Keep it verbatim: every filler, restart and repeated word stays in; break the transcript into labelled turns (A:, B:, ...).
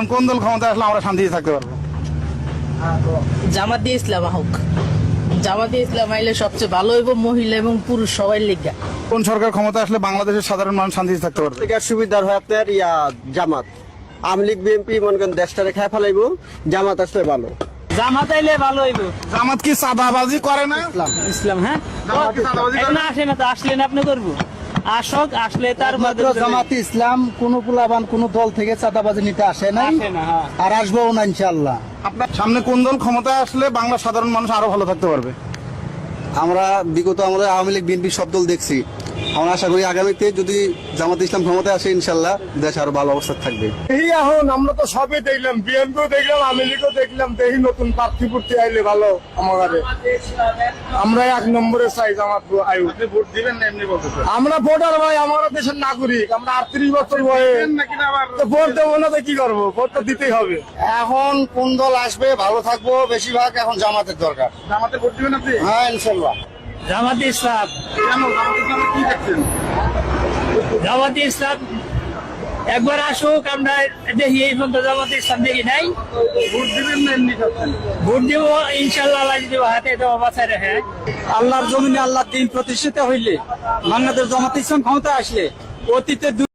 A: বলেন কোন দল ক্ষমতা আসলে আমরা শান্তিতে থাকতে পারবো?
B: জামাতে ইসলাম হোক, জামাতে ইসলাম আইলে সবচেয়ে ভালো হইব, মহিলা এবং পুরুষ সবাই লিগা।
A: কোন সরকার ক্ষমতা আসলে বাংলাদেশের সাধারণ মানুষ শান্তিতে থাকতে পারবে?
C: সুবিধার হয় আপনার ইয়া জামাত, আওয়ামী লীগ বিএনপি মনে করেন দেশটারে খাই ফেলাইব, জামাত আসলে ভালো।
B: জামাত আইলে ভালো হইব।
A: জামাত কি চাঁদাবাজি করে না?
B: ইসলাম হ্যাঁ
A: জামাত কি চাঁদাবাজি করে
B: এখন
A: না?
B: আসে না তো, আসলেন আপনি করবো, আসক, আসলে তার
D: মাত্র জামাতে ইসলাম কোন পুলাবান কোন দল থেকে চাঁদাবাজি নিতে আসে নাই,
B: আসে না, হ্যাঁ।
D: আর আসবো না ইনশাআল্লাহ।
A: আপনার সামনে কোন দল ক্ষমতা আসলে বাংলা সাধারণ মানুষ আরো ভালো থাকতে পারবে?
D: আমরা বিগত আমাদের আওয়ামী লীগ বিএনপি সব দল দেখছি, আমরা আশা করি আগামীতে যদি জামাতে ইসলাম ক্ষমতায় আসে ইনশাআল্লাহ দেশ আরো ভালো অবস্থা থাকবে।
E: এই এখন আমরা তো সবই দেখলাম, বিএনপিও দেখলাম, আওয়ামী লীগও দেখলাম, দেখি নতুন প্রার্থী ফুর্তি আইলে ভালো আমাদের। আমরা এক নম্বরে চাই জামাত আয়ু।
A: ভোট দিবেন না এমনি বলতেছে?
E: আমরা ভোটার ভাই, আমরা দেশের নাগরিক, আমরা আটত্রিশ বছর বয়স,
A: নাকি না আবার
E: তো ভোট দেবো না তো কি করবো? ভোট তো দিতেই হবে।
D: এখন কোন দল আসবে ভালো থাকবো, বেশিরভাগ এখন জামাতের দরকার।
A: জামাতে ভোট দিবেন আপনি?
D: হ্যাঁ ইনশাআল্লাহ।
B: জামাতে ইসলাম,
A: কেন জামাতে ইসলামে কি দেখছেন?
B: জামাতে ইসলাম একবার আসুক, আমরা দেখি। এই পর্যন্ত জামাতে ইসলাম দেখি নাই।
A: ভোট দিবেন না এমনি খাচ্ছেন?
B: ভোট দিব ইনশাল্লাহ, আল্লাহ যদি হাতে দেওয়া বাঁচায় রাখে।
D: আল্লাহর জমিনে আল্লাহ দিন প্রতিষ্ঠিত হইলে বাংলাদেশ জামাতে ইসলাম ক্ষমতা আসলে অতীতে